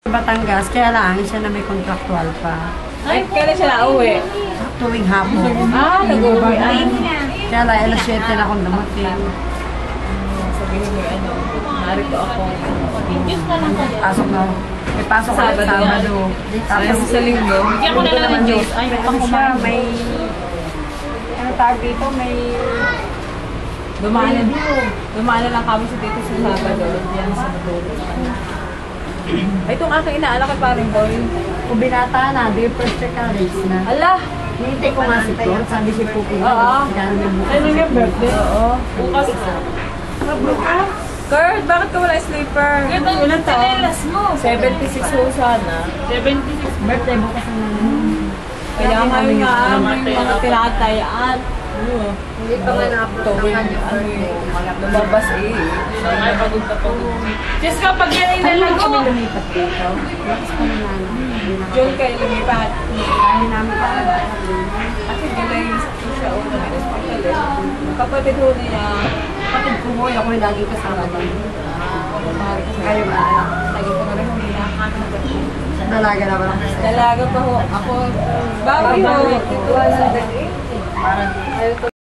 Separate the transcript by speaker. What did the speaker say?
Speaker 1: Batangas, kaya lang siya na may contractual pa.
Speaker 2: Ay, kailan siya nauwi?
Speaker 1: Tuwing hapon.
Speaker 2: Ah, nag-uwi.
Speaker 1: Kaya lang, alas 7 na akong dumating.
Speaker 2: Sabihin mo, narito ako.
Speaker 1: Pasok na. May pasok ko sa Sabado.
Speaker 2: Tapos sa linggo.
Speaker 3: Bigyan ko na lang ng Diyos. Ay,
Speaker 1: Ano siya, may... Ano tawag dito? May...
Speaker 2: Dumaan na lang kami sa dito sa Sabado. Yan sa Maduro. Ay, itong aking inaalak at paring boy.
Speaker 1: Kung binata na, di first check ka, race na.
Speaker 2: Ala!
Speaker 1: Hintay ko nga si Flor, sabi si Pupi.
Speaker 2: Oo.
Speaker 1: Ano yung birthday?
Speaker 2: Oo. Bukas. Kurt, bakit ka wala sleeper?
Speaker 3: Ilan taon? mo.
Speaker 2: 76 ho sana.
Speaker 3: 76.
Speaker 1: Birthday bukas na naman.
Speaker 2: Kaya ngayon nga, may mga tinatayaan.
Speaker 1: Hindi pa nga na-upload
Speaker 2: Tuwing, lumabas eh.
Speaker 3: Ay, pagod na pagod. Diyos ka, pag yan ay
Speaker 1: Kami
Speaker 3: nalago.
Speaker 1: lumipat dito. Lakas pa na
Speaker 2: John kayo lumipat.
Speaker 1: Kami namin pa.
Speaker 2: Kasi gulay siya o kapatid ho niya.
Speaker 1: Kapatid ko mo, ako yung lagi kasama doon.
Speaker 2: Kayo ba? Lagi ko na rin hindi nakakanagat.
Speaker 1: Dalaga na ba?
Speaker 2: Dalaga pa ho. Ako, bawi ho. Ito, 180.
Speaker 1: Parang